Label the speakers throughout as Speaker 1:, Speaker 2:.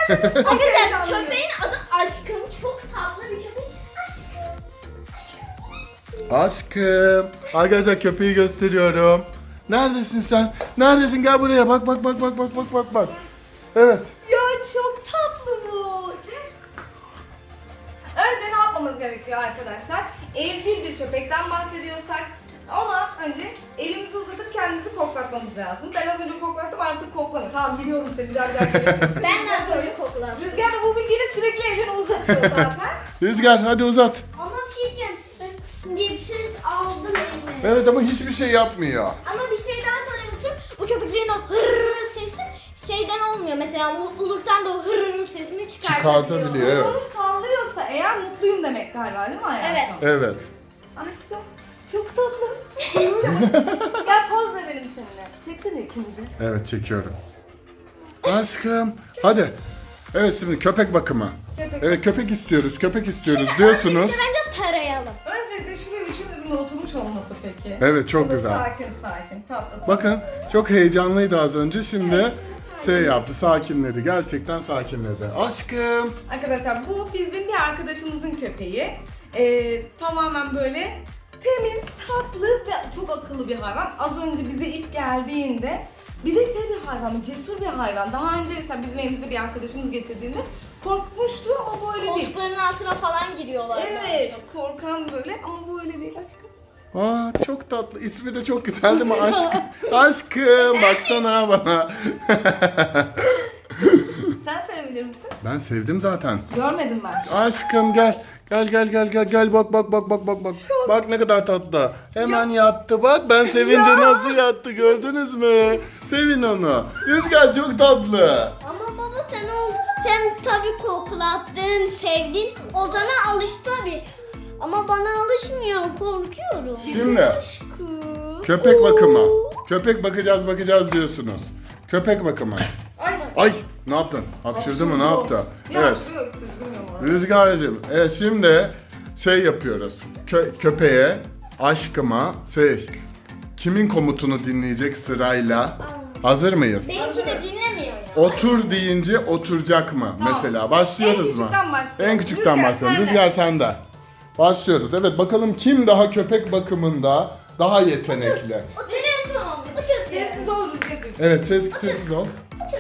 Speaker 1: Arkadaşlar köpeğin adı Aşkım. Çok tatlı bir köpek. Aşkım.
Speaker 2: Aşkım. Arkadaşlar köpeği gösteriyorum. Neredesin sen? Neredesin? Gel buraya. Bak. Evet.
Speaker 3: Ya çok tatlı bu. Önce ne yapmamız gerekiyor arkadaşlar? Evcil bir köpekten bahsediyorsak ona önce elimizi uzatıp kendimizi koklatmamız lazım. Ben az önce koklattım, artık koklamıyor. Tamam, biliyorum seni, biraz daha
Speaker 1: Ben de az önce kokladım.
Speaker 3: Rüzgar da bu bilgiyle sürekli elini uzatıyor zaten.
Speaker 2: Rüzgar hadi uzat.
Speaker 1: Ama bir şey diyeceğim. Ben diye bir ses aldım elime.
Speaker 2: Evet ama hiçbir şey yapmıyor.
Speaker 1: Ama bir şey daha söylemek istiyorum. Bu köpeklerin o hırrrr sesi şeyden olmuyor. Mesela mutluluktan da o hırrrr sesini çıkartabiliyor.
Speaker 2: Çıkartabiliyor, evet.
Speaker 3: Onu sallıyorsa eğer mutluyum demek galiba, değil mi hayatım?
Speaker 1: Evet.
Speaker 2: Evet.
Speaker 3: Aşkım çok tatlı. Gel poz verelim seninle. Çeksene ikimizi.
Speaker 2: Evet çekiyorum. Aşkım. Hadi. Evet şimdi köpek bakımı. Evet köpek istiyoruz diyorsunuz.
Speaker 1: Önce bence tarayalım.
Speaker 3: Öncelikle şuraya üçümüzün de oturmuş olması peki.
Speaker 2: Evet, çok
Speaker 3: O da
Speaker 2: güzel.
Speaker 3: Sakin tatlı.
Speaker 2: Bakın çok heyecanlıydı az önce, şimdi şey yaptı, sakinledi. Gerçekten sakinledi. Aşkım.
Speaker 3: Arkadaşlar bu bizim bir arkadaşımızın köpeği. Tamamen böyle temiz, tatlı ve çok akıllı bir hayvan. Az önce bize ilk geldiğinde bir de şey bir hayvan, cesur bir hayvan. Daha önce mesela bizim evimize bir arkadaşımız getirdiğinde korkmuştu ama böyle değil.
Speaker 1: Koltukların altına falan giriyorlar.
Speaker 3: Evet, korkan böyle ama bu öyle değil aşkım.
Speaker 2: Aa çok tatlı. İsmi de çok güzel değil mi? Aşkım. Aşkım baksana bana.
Speaker 3: Sen sevebilir misin?
Speaker 2: Ben sevdim zaten.
Speaker 3: Görmedim ben.
Speaker 2: Aşkım gel. Gel bak. Bak ne kadar tatlı. Hemen yattı bak, ben sevince nasıl yattı gördünüz mü? Sevin onu. Rüzgar çok tatlı.
Speaker 1: Ama baba sen tabii koklattın, sevdin. O sana alıştı tabii. Ama bana alışmıyor, korkuyorum.
Speaker 2: Şimdi
Speaker 1: Aşkım.
Speaker 2: köpek bakımı. Köpek bakacağız diyorsunuz. Köpek bakımı. Ay ne yaptın? Hapşırdı mı, ne yaptı?
Speaker 3: Ya
Speaker 2: Evet.
Speaker 3: şuraya öksürdüm ya.
Speaker 2: Rüzgar'cığım, evet şimdi şey yapıyoruz. Köpeğe, aşkıma, kimin komutunu dinleyecek sırayla? Hazır mıyız?
Speaker 1: Benimki de dinlemiyor ya.
Speaker 2: Otur deyince oturacak mı?
Speaker 3: Tamam.
Speaker 2: Mesela başlıyoruz
Speaker 3: En
Speaker 2: mu?
Speaker 3: küçükten başlayalım.
Speaker 2: En küçükten
Speaker 3: Rüzgar
Speaker 2: başlayalım.
Speaker 3: sende.
Speaker 2: Rüzgar sende. Başlıyoruz. Evet bakalım kim daha köpek bakımında daha yetenekli.
Speaker 1: O televizyon oldu.
Speaker 3: Sessiz ol Rüzgar.
Speaker 2: Evet sessiz ol.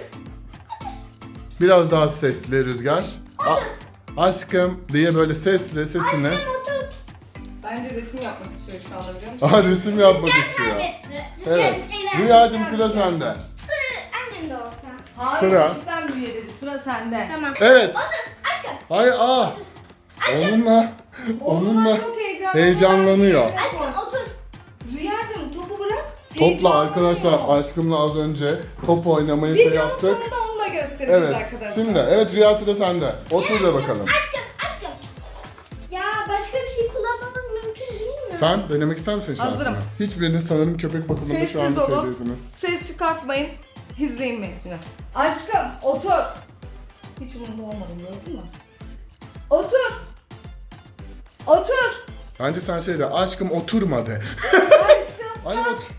Speaker 2: Biraz daha sesli Rüzgar. Aşkım diye böyle sesini.
Speaker 1: Aşkım otur.
Speaker 3: Bence resim yapmak istiyor şu anda, biliyor musun?
Speaker 2: Aha resim yapmak
Speaker 1: Rüzgar
Speaker 2: istiyor.
Speaker 1: kaybetti.
Speaker 2: Evet.
Speaker 1: Rüzgar
Speaker 2: Rüyacığım sıra sende.
Speaker 1: Sıra annem de olsa.
Speaker 3: Hayır,
Speaker 2: Sıra.
Speaker 3: küçükten büyüye dedik. Sıra sende.
Speaker 1: Tamam.
Speaker 2: Evet.
Speaker 1: Otur aşkım.
Speaker 2: Hayır onunla
Speaker 3: Onunla çok
Speaker 2: heyecanlanıyor.
Speaker 1: Aşkım otur.
Speaker 3: Rüyacığım topu bırak.
Speaker 2: Topla arkadaşlar
Speaker 3: heyecanlanıyor.
Speaker 2: aşkımla az önce top oynamayı şey
Speaker 3: Videonun
Speaker 2: yaptık.
Speaker 3: sonunda onu da göstereceğiz
Speaker 2: Evet
Speaker 3: arkadaşlar.
Speaker 2: şimdi Rüya sıra sende. Otur da bakalım.
Speaker 1: Aşkım. Ya başka bir şey kullanmamız mümkün değil mi?
Speaker 2: Sen denemek ister misin şansını?
Speaker 3: Hazırım.
Speaker 2: Hiçbiriniz sanırım köpek bakımında şu anda
Speaker 3: Sessiz olun.
Speaker 2: şeydesiniz.
Speaker 3: Ses çıkartmayın. İzleyin beni şimdi. Aşkım otur. Hiç umurumda olmadım, gördün mü? Otur. Otur.
Speaker 2: Bence sen şey de aşkım oturma de.
Speaker 3: Aşkım.
Speaker 2: Ay otur.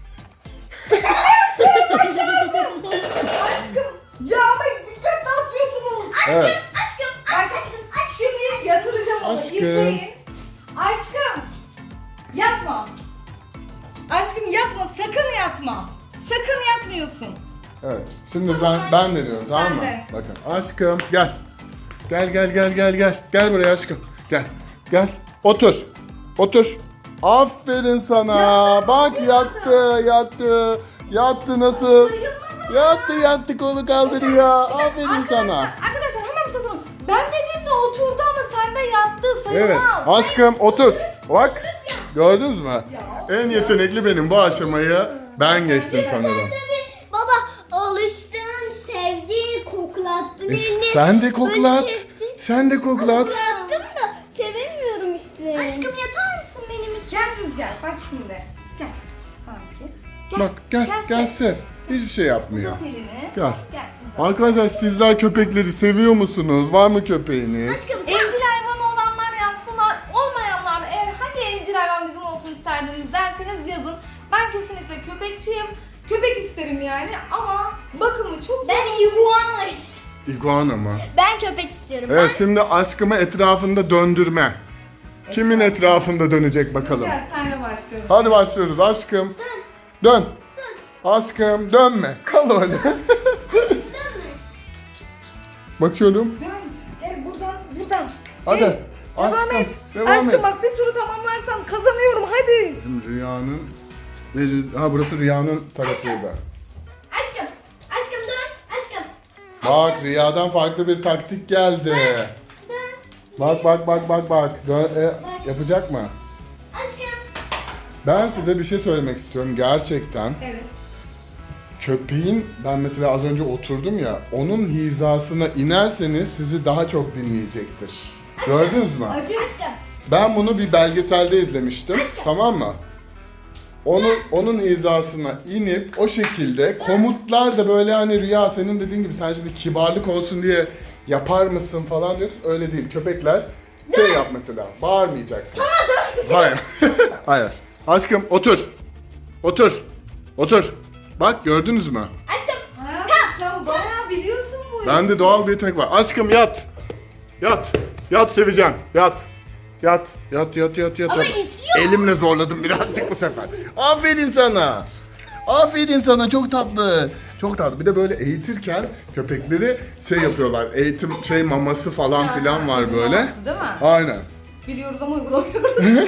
Speaker 3: Aşkım. Ya ama dikkat dağıtıyorsunuz.
Speaker 2: Evet.
Speaker 1: Aşkım.
Speaker 3: Şimdi yatıracağım onu.
Speaker 2: Aşkım.
Speaker 3: İzleyin. Aşkım. Yatma. Aşkım yatma. Sakın yatma. Sakın yatmıyorsun.
Speaker 2: Evet. Şimdi ben deniyorum tamam mı?
Speaker 3: de.
Speaker 2: Bakın aşkım gel. Gel. Gel buraya aşkım. Gel. Otur. Aferin sana. Bak yattı nasıl? Yattı kolu kaldırıyor. Aferin sana.
Speaker 3: Arkadaşlar hemen bir şey sorayım. Ben dediğimde oturdu ama sen de yattı. Sayılmaz.
Speaker 2: Evet aşkım otur. Bak gördünüz mü? En yetenekli benim, bu aşamayı ben geçtim sanırım.
Speaker 1: Tabii baba alıştın, sevdin, koklattın elini.
Speaker 2: Sen de koklat.
Speaker 1: Böyle sevdin.
Speaker 2: Sen de koklat.
Speaker 1: Koklattım da sevemiyorum işte. Aşkım yatar mısın benim için?
Speaker 3: Gel Rüzgar bak şimdi. Gel. Sanki.
Speaker 2: Bak gel sev. Hiçbir şey yapmıyor.
Speaker 3: Tut elini.
Speaker 2: Gel.
Speaker 3: Gel.
Speaker 2: Arkadaşlar sizler köpekleri seviyor musunuz? Var mı köpeğiniz?
Speaker 1: Aşkım
Speaker 3: Evcil hayvanı olanlar yazsınlar. Olmayanlar eğer hangi evcil hayvan bizim olsun isterdiniz derseniz yazın. Ben kesinlikle köpekçiyim. Köpek isterim yani ama bakımı çok zor.
Speaker 1: ben iguana istiyorum.
Speaker 2: İguana mı?
Speaker 1: Ben köpek istiyorum.
Speaker 2: Evet, şimdi aşkımı etrafında döndürme. Kimin etrafında dönecek bakalım.
Speaker 3: Rüzgar senle başlıyoruz.
Speaker 2: Hadi başlıyoruz aşkım. Dön. Aşkım dönme. Kal öyle. Bakıyorum.
Speaker 3: Dön. Gel buradan.
Speaker 2: Hadi.
Speaker 3: Gel. Devam
Speaker 2: Aşkım,
Speaker 3: et.
Speaker 2: devam
Speaker 3: Aşkım
Speaker 2: et.
Speaker 3: bak bir turu tamamlarsan kazanıyorum hadi.
Speaker 2: Şimdi Rüya'nın ha burası Rüya'nın tarafıydı.
Speaker 1: Aşkım. Aşkım dur. Aşkım.
Speaker 2: Bak Rüya'dan farklı bir taktik geldi.
Speaker 1: Dur.
Speaker 2: Bak. Yapacak mı?
Speaker 1: Aşkım.
Speaker 2: Ben size bir şey söylemek istiyorum gerçekten.
Speaker 3: Evet.
Speaker 2: Köpeğin, ben mesela az önce oturdum ya, onun hizasına inerseniz sizi daha çok dinleyecektir. Gördünüz mü?
Speaker 3: Acı.
Speaker 1: Aşkım.
Speaker 2: Ben bunu bir belgeselde izlemiştim.
Speaker 1: Aşkım.
Speaker 2: Tamam mı? Onun hizasına inip o şekilde komutlar da böyle hani Rüya senin dediğin gibi sen şimdi kibarlık olsun diye yapar mısın falan diyoruz. Öyle değil. Köpekler şey yap mesela. Bağırmayacaksın. Hayır. Hayır. Aşkım otur. Otur. Bak gördünüz mü?
Speaker 1: Aşkım.
Speaker 3: Hayatım sen bayağı biliyorsun bu işi.
Speaker 2: Bende doğal bir yetenek var. Aşkım yat. Yat seveceğim. Yat.
Speaker 1: Ama itiyor.
Speaker 2: Elimle zorladım birazcık bu sefer. Aferin sana. Çok tatlı. Bir de böyle eğitirken köpekleri şey yapıyorlar. Eğitim maması falan filan var böyle.
Speaker 3: Uygulaması değil mi?
Speaker 2: Aynen.
Speaker 3: Biliyoruz ama uygulamıyoruz.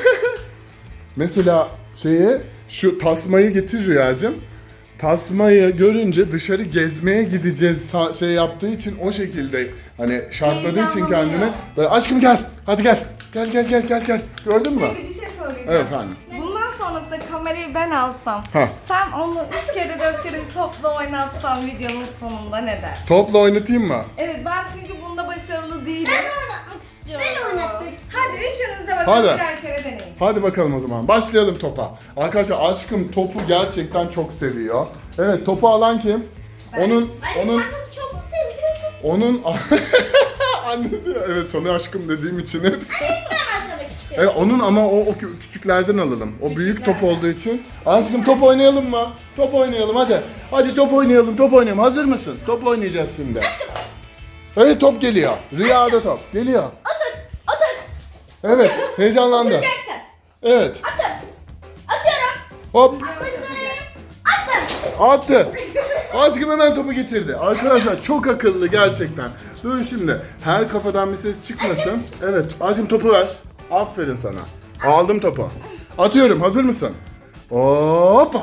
Speaker 2: Mesela şu tasmayı getir Rüyacığım. Tasmayı görünce dışarı gezmeye gideceğiz şey yaptığı için o şekilde hani şartladığı için kendini böyle aşkım gel. Hadi gel. Gel. Gördün mü?
Speaker 3: Peki bir şey söyleyeceğim.
Speaker 2: Evet efendim.
Speaker 3: Bundan sonrasında kamerayı ben alsam,
Speaker 2: Heh.
Speaker 3: sen onu 3 kere 4 kere topla oynatsan videonun sonunda ne dersin?
Speaker 2: Topla oynatayım mı?
Speaker 3: Evet ben çünkü bunda başarılı değilim.
Speaker 1: Ben oynatmak istiyorum. Ben oynatmak istiyorum.
Speaker 3: Hadi üçünüz de bakalım
Speaker 2: Hadi.
Speaker 3: birer kere deneyin.
Speaker 2: Hadi bakalım o zaman. Başlayalım topa. Arkadaşlar aşkım topu gerçekten çok seviyor. Evet, topu alan kim? Onun
Speaker 1: Sen topu çok mu seviyorsun?
Speaker 2: anne diyor. Evet, sana aşkım dediğim için hep.
Speaker 1: Ben başlamak istiyorum.
Speaker 2: Evet, onun ama o küçüklerden alalım. O büyük top olduğu için. Aşkım top oynayalım mı? Top oynayalım hadi. Hadi top oynayalım. Hazır mısın? Top oynayacağız şimdi. Evet, top geliyor. Rüyada top geliyor.
Speaker 1: Otur.
Speaker 2: Evet, heyecanlandı.
Speaker 1: Oturacaksın.
Speaker 2: Evet.
Speaker 1: Atıyorum.
Speaker 2: Hop.
Speaker 1: Attım.
Speaker 2: Attı. Aşkım hemen topu getirdi. Arkadaşlar çok akıllı gerçekten. Dur şimdi. Her kafadan bir ses çıkmasın. Evet. Aşkım topu ver. Aferin sana. Aldım topu. Atıyorum. Hazır mısın? Hoppa.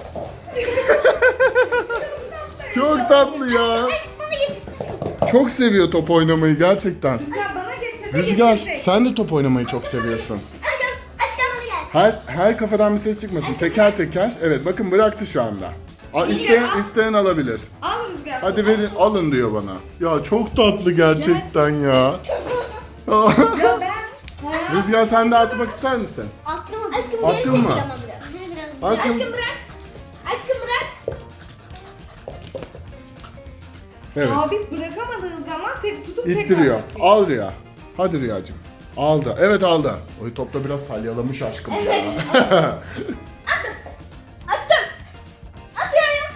Speaker 2: Çok tatlı ya.
Speaker 1: Bunu getir.
Speaker 2: Çok seviyor top oynamayı gerçekten.
Speaker 3: Rüzgar bana getir.
Speaker 2: Rüzgar sen de top oynamayı çok seviyorsun.
Speaker 1: Aşkım bana gel.
Speaker 2: Her kafadan bir ses çıkmasın. Teker teker. Evet bakın bıraktı şu anda. İsteyen alabilir.
Speaker 3: Al Rüzgar.
Speaker 2: Hadi verin alın diyor bana. Ya çok tatlı gerçekten ya.
Speaker 3: Ya ben.
Speaker 2: Rüzgar sen de atmak ister misin?
Speaker 1: Attım. Aşkım
Speaker 2: Attın
Speaker 1: geri
Speaker 2: mı?
Speaker 1: çekil ama biraz.
Speaker 2: Aşkım-
Speaker 1: Aşkım bırak. Aşkım bırak.
Speaker 2: Evet.
Speaker 3: Sabit bırakamadığın zaman tek tutup tekrar
Speaker 2: İttiriyor.
Speaker 3: atıyor.
Speaker 2: Al Rüya. Hadi Rüyacığım. Aldı. Evet aldı. Oy topla biraz salyalamış aşkım ya.
Speaker 1: Evet. Attım. Atıyorum.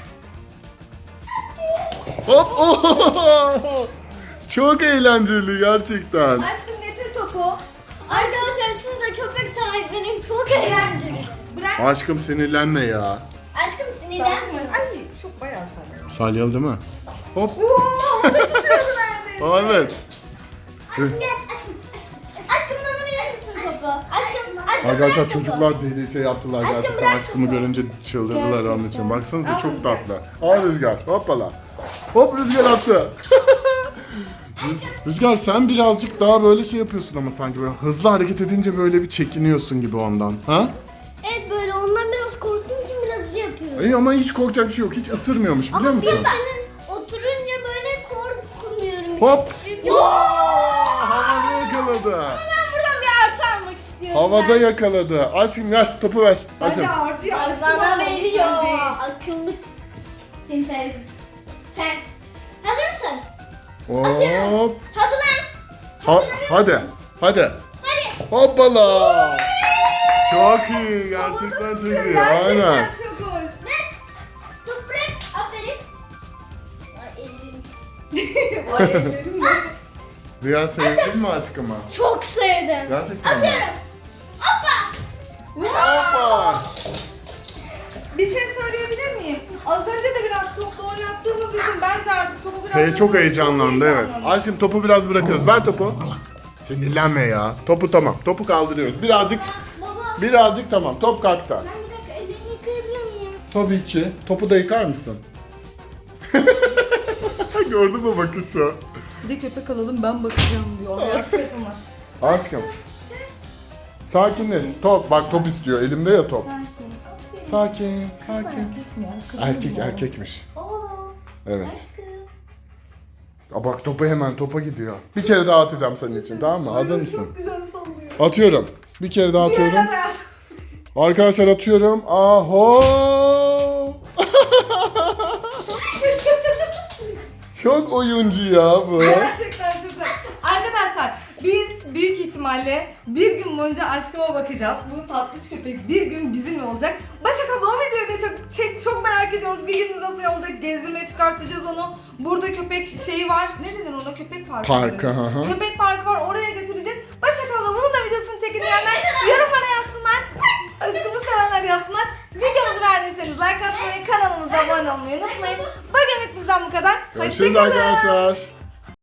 Speaker 2: Hop. Oh! Çok eğlenceli gerçekten.
Speaker 3: Aşkım getir topu.
Speaker 1: Arkadaşlar siz de köpek sahiplenin çok eğlenceli.
Speaker 3: Bırak.
Speaker 2: Aşkım sinirlenme ya.
Speaker 1: Aşkım sinirlenme.
Speaker 3: Ay çok bayağı sarıyor.
Speaker 2: Salyalı değil mi? Hop.
Speaker 3: Oo, onu tutuyordu neredeyse.
Speaker 2: Aa, evet.
Speaker 1: Aşkım gel. Aşkım bana verir misin topu? Aşkım
Speaker 2: Arkadaşlar
Speaker 1: bırak topu.
Speaker 2: çocuklar deli şey yaptılar
Speaker 1: Aşkım
Speaker 2: gerçekten.
Speaker 1: bırak
Speaker 2: Aşkımı
Speaker 1: topu.
Speaker 2: görünce çıldırdılar onun için.
Speaker 3: Gerçekten.
Speaker 2: Baksanıza
Speaker 3: Al
Speaker 2: çok
Speaker 3: Rüzgar.
Speaker 2: tatlı. Al Rüzgar. Hoppala. Hop Rüzgar attı. Rüzgar sen birazcık daha böyle şey yapıyorsun ama sanki böyle hızlı hareket edince böyle bir çekiniyorsun gibi ondan. Ha?
Speaker 1: Evet böyle ondan biraz korktuğum için biraz şey yapıyorum.
Speaker 2: İyi ama hiç korkacak bir şey yok. Hiç ısırmıyormuş biliyor
Speaker 1: Ama
Speaker 2: musun?
Speaker 1: bir senin oturunca böyle korkmuyorum.
Speaker 2: Hop.
Speaker 1: Çünkü
Speaker 2: Havada yakaladı.
Speaker 1: ben buradan bir artı almak istiyorum.
Speaker 2: Havada yakaladı. Aşkım ver topu ver.
Speaker 3: Hadi
Speaker 2: Aşkım.
Speaker 3: artıyor. Aşkım
Speaker 1: Bana
Speaker 3: al,
Speaker 1: veriyor.
Speaker 3: sen değil.
Speaker 1: Akıllı. Seni sevdim. Sen hazır mısın?
Speaker 2: Hop.
Speaker 1: Hazırlan.
Speaker 2: Hadi.
Speaker 1: Hadi.
Speaker 2: Hoppala. Çok iyi. Gerçekten çok iyi. Aynen.
Speaker 3: Gerçekten çok hoş.
Speaker 1: Ver. Top bırak. Aferin. Ay, elim.
Speaker 3: Ay ellerim de.
Speaker 2: Rüya sevdin mi aşkımı?
Speaker 1: Çok sevdim.
Speaker 2: Gerçekten mi?
Speaker 1: Atıyorum. Hoppa.
Speaker 2: Hoppa.
Speaker 3: Bir şey söyleyebilir miyim? Az önce de biraz topla oynattığımız için bence artık topu biraz...
Speaker 2: Çok heyecanlandı evet. Aşkım topu biraz bırakıyoruz. Ver topu. Sinirlenme ya. Topu tamam. Topu kaldırıyoruz.
Speaker 1: Baba.
Speaker 2: Birazcık tamam. Top kalktı.
Speaker 1: Ben bir dakika ellerimi yıkayabilir miyim?
Speaker 2: Tabii ki. Topu da yıkar mısın? Gördün mü bakışı?
Speaker 3: Bir de köpek alalım ben bakacağım diyor. Hayatta yapamaz.
Speaker 2: Aşkım. Sakinleş. Top. Bak top istiyor. Elimde ya top. Sakin. Sakin.
Speaker 3: Erkek mi ya? Kız
Speaker 2: Erkek
Speaker 3: mı?
Speaker 2: erkekmiş.
Speaker 3: Aa,
Speaker 2: Evet.
Speaker 3: aşkım.
Speaker 2: Aa, bak topu hemen topa gidiyor. Bir kere daha atacağım senin için tamam mı? Hazır mısın?
Speaker 3: Çok güzel sallıyor.
Speaker 2: Atıyorum. Bir kere daha atıyorum.
Speaker 3: Diğerine de yaz.
Speaker 2: Arkadaşlar atıyorum. Aho! Çok oyuncu ya bu.
Speaker 3: Gerçekten çok güzel. Arkadaşlar biz büyük ihtimalle bir gün boyunca aşkıma bakacağız. Bu tatlış köpek bir gün bizimle olacak. Başak abla o videoyu da çok merak ediyoruz. Bir gün nasıl olacak? Gezdirmeye çıkartacağız onu. Burada köpek şeyi var. Ne dedin ona? Köpek parkı.
Speaker 2: Parkı,
Speaker 3: dedin.
Speaker 2: hı hı.
Speaker 3: Köpek parkı var. Oraya götüreceğiz. Başak abla bunun da videosunu çekin diyenler yorumlara yazsınlar. Aşkımı sevenler yazsınlar. Videomuzu beğendiyseniz like atmayı, kanalımıza abone olmayı unutmayın. Bugünlük bizden bu kadar.
Speaker 2: Görüşürüz
Speaker 3: Hoşça kalın.
Speaker 2: arkadaşlar.